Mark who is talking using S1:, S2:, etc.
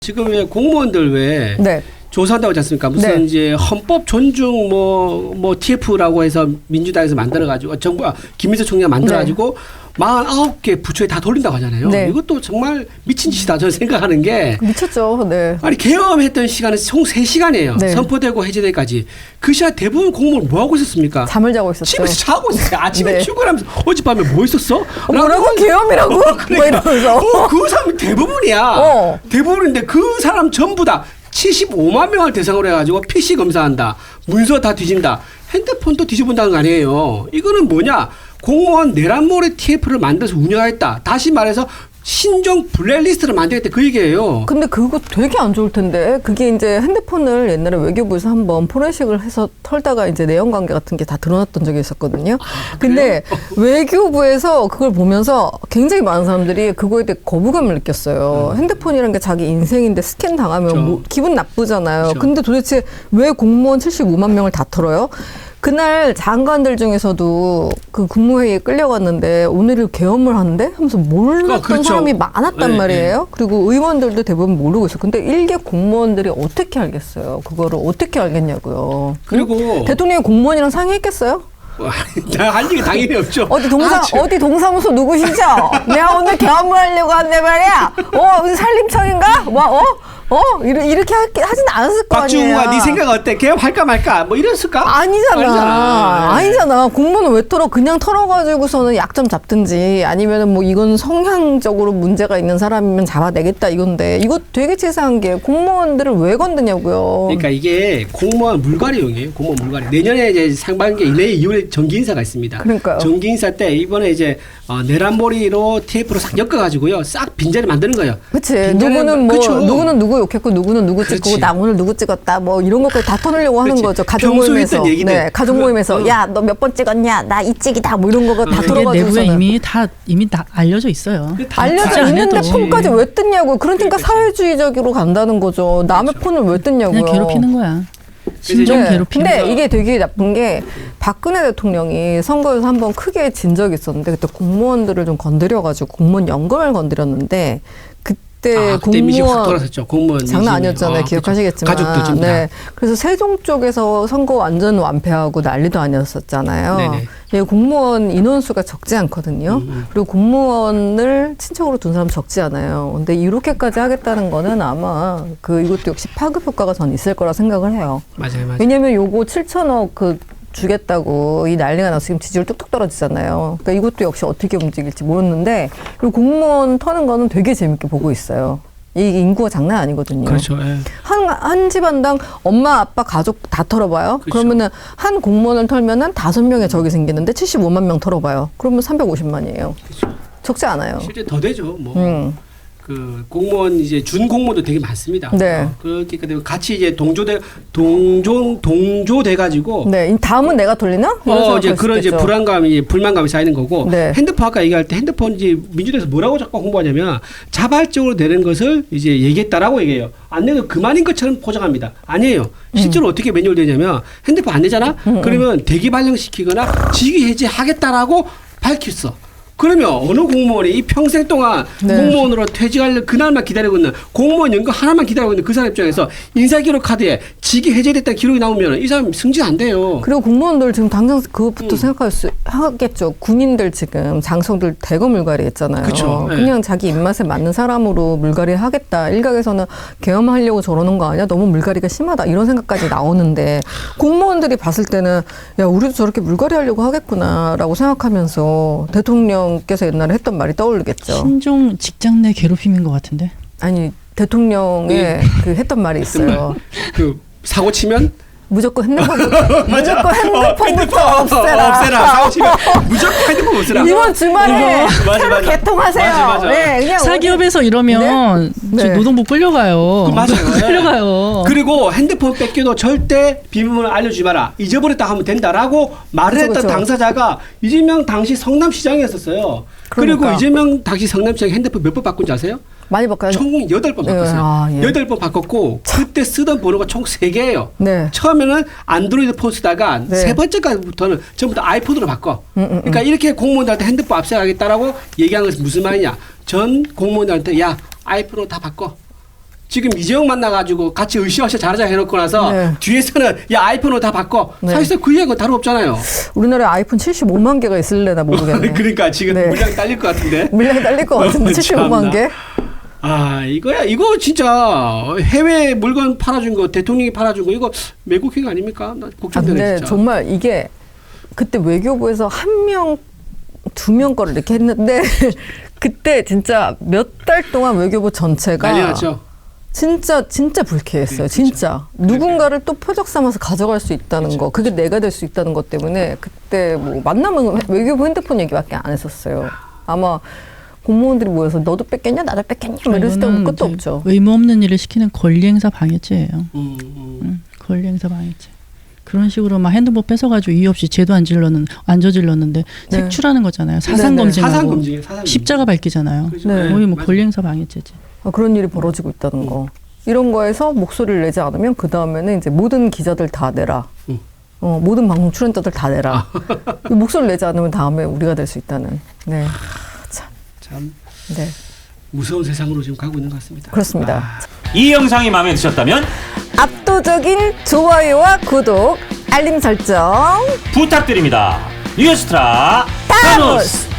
S1: 지금 왜 공무원들 왜
S2: 네.
S1: 조사한다고 하지 않습니까? 무슨
S2: 네.
S1: 이제 헌법 존중 뭐 TF라고 해서 민주당에서 만들어가지고 김민수 총리가 만들어가지고 49개 부처에 다 돌린다고 하잖아요.
S2: 네.
S1: 이것도 정말 미친 짓이다 저는 생각하는 게.
S2: 미쳤죠. 네.
S1: 아니 계엄했던 시간은 총 3시간이에요.
S2: 네.
S1: 선포되고 해제되기까지. 그 시간 대부분 공무원 뭐 하고 있었습니까?
S2: 잠을 자고 있었죠.
S1: 집에서 자고 있었어요. 아침에
S2: 네.
S1: 출근하면서 어젯밤에 뭐 있었어?
S2: 뭐라고? 계엄이라고? 뭐 이러면서.
S1: 그 사람이 대부분이야. 대부분인데 그 사람 전부 다 75만 명을 대상으로 해가지고 PC 검사한다. 문서 다 뒤진다. 핸드폰도 뒤집은다는 거 아니에요. 이거는 뭐냐. 공무원 내란몰이 TF를 만들어서 운영하겠다. 다시 말해서 신종 블랙리스트를 만들겠다 그 얘기예요.
S2: 근데 그거 되게 안 좋을 텐데 그게 이제 핸드폰을 옛날에 외교부에서 한번 포렌식을 해서 털다가 이제 내연 관계 같은 게 다 드러났던 적이 있었거든요. 근데 외교부에서 그걸 보면서 굉장히 많은 사람들이 그거에 대해 거부감을 느꼈어요. 핸드폰이라는 게 자기 인생인데 스캔 당하면
S1: 그렇죠.
S2: 뭐 기분 나쁘잖아요.
S1: 그렇죠.
S2: 근데 도대체 왜 공무원 75만 명을 다 털어요? 그날 장관들 중에서도 그 국무회의에 끌려갔는데 오늘을 계엄을 하는데 하면서 몰랐던
S1: 그렇죠.
S2: 사람이 많았단
S1: 네,
S2: 말이에요.
S1: 네.
S2: 그리고 의원들도 대부분 모르고 있어. 근데 일개 공무원들이 어떻게 알겠어요? 그거를 어떻게 알겠냐고요.
S1: 그리고
S2: 응? 대통령이 공무원이랑 상의했겠어요?
S1: 할 얘기 당연히 없죠.
S2: 어디 동사무소 누구시죠? 내가 오늘 계엄을 하려고 한데 말이야. 무슨 산림청인가? 이렇게 하진 않았을 거 아니에요.
S1: 박주호가 네 생각 어때? 계엄할까 말까? 뭐 이랬을까?
S2: 아니잖아. 공무원은 왜 털어? 그냥 털어가지고서는 약점 잡든지 아니면은 뭐 이건 성향적으로 문제가 있는 사람이면 잡아내겠다 이건데 이거 되게 치사한 게 공무원들을 왜 건드냐고요.
S1: 그러니까 이게 공무원 물갈이용이에요. 공무원 물갈이. 내년에 이제 상반기 내년 2월에 정기 인사가 있습니다.
S2: 그러니까요.
S1: 정기 인사 때 이번에 이제 내란몰이로 TF로 싹 엮어가지고요. 싹 빈자리 만드는 거예요.
S2: 그치.
S1: 빈자리
S2: 누구는 누구 욕했고 누구는 누구 찍고
S1: 그렇지.
S2: 나 오늘 누구 찍었다 뭐 이런 것까지 다 터내려고 하는
S1: 그렇지.
S2: 거죠. 가족
S1: 평소에
S2: 모임에서.
S1: 했던 얘기들.
S2: 네, 가족 모임에서 야 너 몇 번 찍었냐 나 이 찍이다 뭐 이런 거가 다
S3: 그게
S2: 들어가지고
S3: 내부에 이미 다 알려져 있어요.
S2: 알려져 있는데
S3: 해도.
S2: 폰까지 왜 뜯냐고요. 그러니까 사회주의적으로 간다는 거죠. 남의 폰을 왜 뜯냐고요.
S3: 그냥 괴롭히는 거야. 신종 괴롭히는
S2: 근데
S3: 거야.
S2: 이게 되게 나쁜 게 박근혜 대통령이 선거에서 한번 크게 진 적이 있었는데 그때 공무원들을 좀 건드려가지고 공무원 연금을 건드렸는데 그때
S1: 민심 확
S2: 공무원
S1: 돌아섰죠. 공무원
S2: 장난
S1: 민심이.
S2: 아니었잖아요. 기억하시겠지만.
S1: 가족들 전부 다.
S2: 네. 그래서 세종 쪽에서 선거 완전 완패하고 난리도 아니었었잖아요.
S1: 네네.
S2: 예, 공무원 인원수가 적지 않거든요. 그리고 공무원을 친척으로 둔 사람 적지 않아요. 근데 이렇게까지 하겠다는 거는 아마 이것도 역시 파급 효과가 전 있을 거라 생각을 해요.
S1: 맞아요.
S2: 왜냐면 요거 7천억 주겠다고 이 난리가 나서 지금 지지율 뚝뚝 떨어지잖아요. 그러니까 이것도 역시 어떻게 움직일지 모르는데 그리고 공무원 터는 거는 되게 재밌게 보고 있어요. 이 인구가 장난 아니거든요.
S1: 그렇죠. 예.
S2: 한 집안당 엄마, 아빠, 가족 다 털어봐요.
S1: 그렇죠.
S2: 그러면은 한 공무원을 털면은 5명의 적이 생기는데 75만 명 털어봐요. 그러면 350만이에요.
S1: 그렇죠.
S2: 적지 않아요.
S1: 실제 더 되죠. 그 공무원 이제 준 공무원도 되게 많습니다.
S2: 네.
S1: 그러니까 같이 이제 동조돼 가지고
S2: 네. 다음은 내가 돌리나?
S1: 이제 그런 이제 불만감이 쌓이는 거고
S2: 네.
S1: 핸드폰 아까 얘기할 때 핸드폰 이제 민주당에서 뭐라고 자꾸 홍보하냐면 자발적으로 내는 것을 이제 얘기했다라고 얘기해요. 안 내도 그만인 것처럼 포장합니다. 아니에요. 실제로 어떻게 매뉴얼 되냐면 핸드폰 안 내잖아. 그러면 대기 발령시키거나 직위 해제하겠다라고 밝혔어. 그러면 어느 공무원이 이 평생 동안 공무원으로 퇴직할 그날만 기다리고 있는 공무원 연금 하나만 기다리고 있는 그 사람 입장에서 인사기록 카드에 직위 해제됐다는 기록이 나오면 이 사람 승진 안 돼요.
S2: 그리고 공무원들 지금 당장 그것부터 하겠죠. 군인들 지금 장성들 대거 물갈이 했잖아요.
S1: 그쵸. 네.
S2: 그냥 자기 입맛에 맞는 사람으로 물갈이 하겠다. 일각에서는 계엄하려고 저러는 거 아니야? 너무 물갈이가 심하다. 이런 생각까지 나오는데 공무원들이 봤을 때는 야 우리도 저렇게 물갈이 하려고 하겠구나라고 생각하면서 대통령께서 옛날에 했던 말이 떠오르겠죠.
S3: 신종 직장 내 괴롭힘인 것 같은데.
S2: 아니 대통령의 했던 말이 있어요.
S1: 사고 치면
S2: 무조건 핸드폰부터 없애라.
S1: 사고 치면 무조건 핸드폰 없애라.
S2: 이번 주말에 새로 개통하세요.
S1: 맞아.
S2: 네, 그냥
S3: 사기업에서 이러면
S2: 네? 네.
S3: 노동부 끌려가요.
S1: 맞아요.
S3: 끌려가요.
S1: 그리고 핸드폰 뺏겨도 절대 비밀번호 알려주지 마라. 잊어버렸다 하면 된다라고 말을 했던
S2: 그쵸.
S1: 당사자가 이재명 당시 성남시장이었었어요.
S2: 그러니까.
S1: 그리고 이재명 당시 성남시장이 핸드폰 몇 번 바꾼지 아세요?
S2: 많이 바꿔요.
S1: 총 8번 바꿨어요.
S2: 예.
S1: 8번 바꿨고 그때 쓰던 번호가 총 3개예요.
S2: 네.
S1: 처음에는 안드로이드 폰 쓰다가
S2: 네.
S1: 세 번째까지부터는 전부 다 아이폰으로 바꿔. 그러니까 이렇게 공무원들한테 핸드폰 압수하겠다라고 얘기한 것은 무슨 말이냐. 전 공무원들한테 야 아이폰으로 다 바꿔. 지금 이재용 만나가지고 같이 으쌰으쌰 잘하자 해놓고 나서
S2: 네.
S1: 뒤에서는 야 아이폰으로 다 바꿔.
S2: 네.
S1: 사실상 그 이야기는 다름 없잖아요.
S2: 우리나라에 아이폰 75만 개가 있을래나 모르겠네.
S1: 그러니까 지금
S2: 네.
S1: 물량이 딸릴 것 같은데.
S2: 물량이 딸릴 것 같은데 75만 개?
S1: 아 이거야 이거 진짜 해외 물건 팔아준 거 대통령이 팔아준 거 이거 매국행 아닙니까? 나 걱정되네
S2: 근데
S1: 진짜.
S2: 정말 이게 그때 외교부에서 한 명, 두 명 거를 이렇게 했는데 그때 진짜 몇 달 동안 외교부 전체가
S1: 난리 났죠.
S2: 진짜 불쾌했어요.
S1: 네,
S2: 진짜 누군가를 또 표적 삼아서 가져갈 수 있다는
S1: 그렇죠.
S2: 거, 그게 내가 될 수 있다는 것 때문에 그때 뭐 만나면 외교부 핸드폰 얘기밖에 안 했었어요. 아마 공무원들이 모여서 너도 뺐겠냐, 나도 뺐겠냐, 뭐 이랬을 때는
S3: 이거는
S2: 끝도
S3: 이제
S2: 없죠.
S3: 의무 없는 일을 시키는 권리행사 방해죄예요. 권리행사 방해죄. 그런 식으로 막 핸드폰 뺏어가지고 이유 없이 죄도 안 저질렀는데
S2: 네.
S3: 색출하는 거잖아요. 사상
S2: 네네.
S3: 검증하고
S1: 사상 검증이에요. 사상 검증.
S3: 십자가 밝히잖아요.
S1: 그죠?
S2: 네.
S3: 거의 뭐
S1: 맞아요.
S3: 권리행사 방해죄지.
S2: 그런 일이 벌어지고 있다는 거. 이런 거에서 목소리를 내지 않으면 그 다음에는 이제 모든 기자들 다 내라. 모든 방송 출연자들 다 내라. 이 목소리를 내지 않으면 다음에 우리가 될 수 있다는. 네.
S1: 참
S2: 네.
S1: 무서운 세상으로 지금 가고 있는 것 같습니다.
S2: 그렇습니다.
S4: 이 영상이 마음에 드셨다면
S2: 압도적인 좋아요와 구독, 알림 설정.
S4: 부탁드립니다. 뉴스트라 타노스.